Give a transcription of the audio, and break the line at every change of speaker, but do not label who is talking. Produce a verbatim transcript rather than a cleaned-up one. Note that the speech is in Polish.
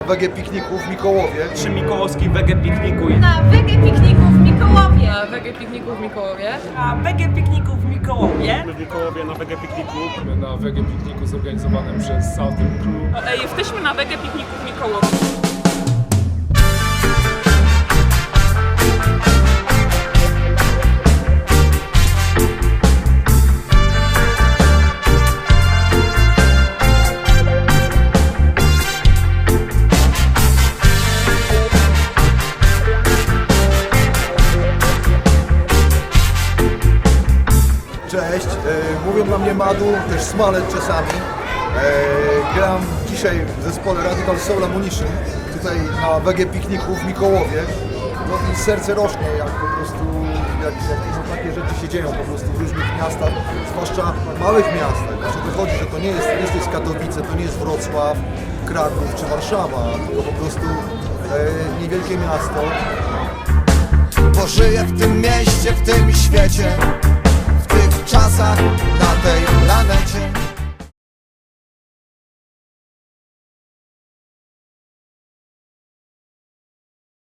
Wege Pikniku w Mikołowie.
Przy Mikołowskim Wege Pikniku.
Na Wege Pikniku w Mikołowie.
Na Wege Pikniku w Mikołowie.
Na Wege Pikniku w Mikołowie.
W Mikołowie na Wege Pikniku.
Na Wege Pikniku zorganizowanym przez Southern Crew.
Ej, jesteśmy na Wege Pikniku w Mikołowie.
Cześć, e, mówią na mnie Madu, też Smalet czasami. E, gram dzisiaj w zespole Radical Soul Ammunition, tutaj na Wege Pikniku w Mikołowie. No i serce rośnie, jak po prostu, jak, jak no, takie rzeczy się dzieją po prostu w różnych miastach, zwłaszcza małych miastach. Znaczy wychodzi, że to nie jest, nie jest to jest Katowice, to nie jest Wrocław, Kraków czy Warszawa, tylko po prostu e, niewielkie miasto.
Bo żyję w tym mieście, w tym świecie, w tych czasach, na tej planecie.